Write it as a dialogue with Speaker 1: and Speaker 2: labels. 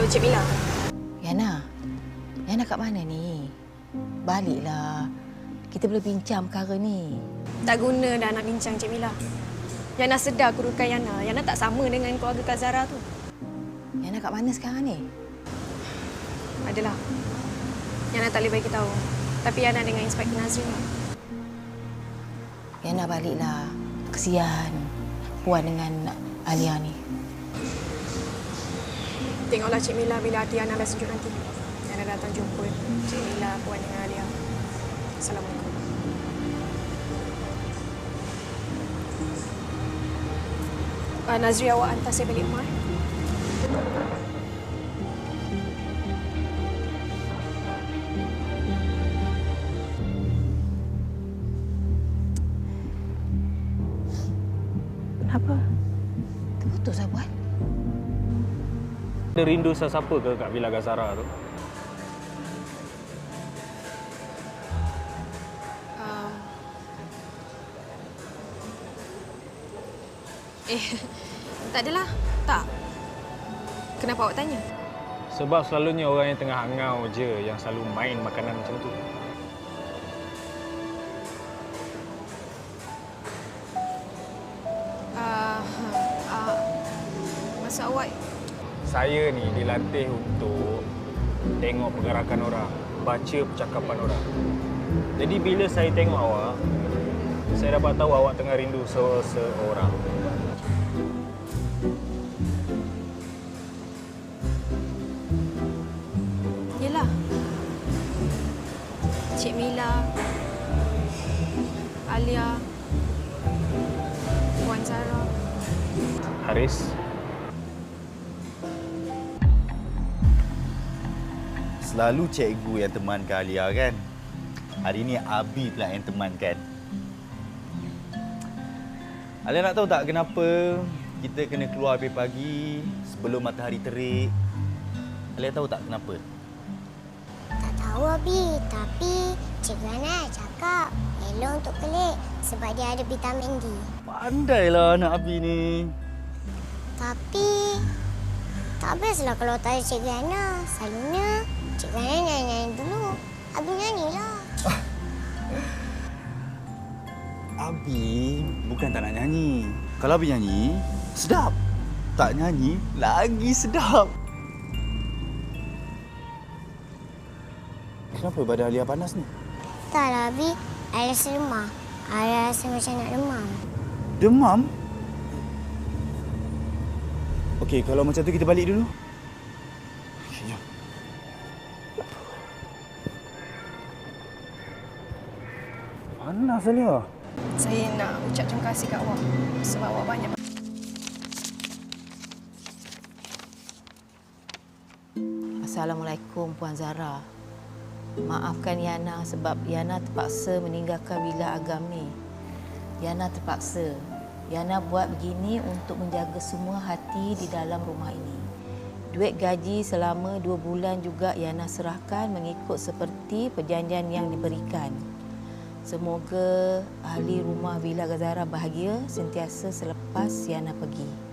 Speaker 1: Cik Mila.
Speaker 2: Yana kat mana ni? Baliklah. Kita boleh bincang perkara ni.
Speaker 1: Tak guna dah nak bincang, Cik Mila. Yana sedar kedudukan Yana. Yana tak sama dengan keluarga Kak Zara tu.
Speaker 2: Yana kat mana sekarang ni?
Speaker 1: Adalah. Yana tak boleh bagi tahu. Tapi Yana dengan Inspektor Nazrin.
Speaker 2: Yana baliklah. Kesian Puan dengan Alia ni.
Speaker 1: Tengoklah Cik Mila bila hati Yana dah sejuk nanti. Yana datang jumpa Cik Mila, Puan dengan Alia. Assalamualaikum. Nazri, awak hantar saya balik rumah.
Speaker 2: Kenapa? Terputus lah, Puan.
Speaker 3: Ada rindu sesiapa ke kat Villa Gazara tu?
Speaker 1: Tak adalah. Tak. Kenapa awak tanya?
Speaker 3: Sebab selalunya orang yang tengah hangau je yang selalu main makanan macam tu.
Speaker 1: Maksud awak?
Speaker 3: Saya ni dilatih untuk tengok pergerakan orang, baca percakapan orang. Jadi bila saya tengok awak, saya dapat tahu awak tengah rindu seseorang.
Speaker 1: Yelah. Cik Mila, Alia, Puan Zara.
Speaker 3: Haris,
Speaker 4: selalu cikgu yang temankan Alia kan? Hari ni Abi pula yang temankan. Alia nak tahu tak kenapa kita kena keluar lebih pagi sebelum matahari terik? Alia tahu tak kenapa?
Speaker 5: Tak tahu, Abi. Tapi Cikgu Ana cakap elok untuk kelik sebab dia ada vitamin D.
Speaker 4: Pandailah anak Abi ni.
Speaker 5: Tapi tak bestlah kalau tak ada Cikgu Ana. Selalunya Cikgu Ana nyanyi dulu. Abi nyanyilah.
Speaker 4: Abi bukan tak nak nyanyi. Kalau Abi nyanyi, sedap. Tak nyanyi, lagi sedap. Kenapa badan Alia panas ni?
Speaker 5: Taklah, Abi. Ada rasa lemah. Ada rasa macam nak demam.
Speaker 4: Demam? Okey, kalau macam tu kita balik dulu. Okey, jom. Panas Alia.
Speaker 1: Saya nak ucap terima kasih kat awak sebab awak banyak.
Speaker 2: Assalamualaikum, Puan Zara. Maafkan Yana sebab Yana terpaksa meninggalkan Villa Agam ni. Yana terpaksa. Yana buat begini untuk menjaga semua hati di dalam rumah ini. Duit gaji selama 2 bulan juga Yana serahkan mengikut seperti perjanjian yang diberikan. Semoga ahli rumah Villa Gazara bahagia sentiasa selepas Yana pergi.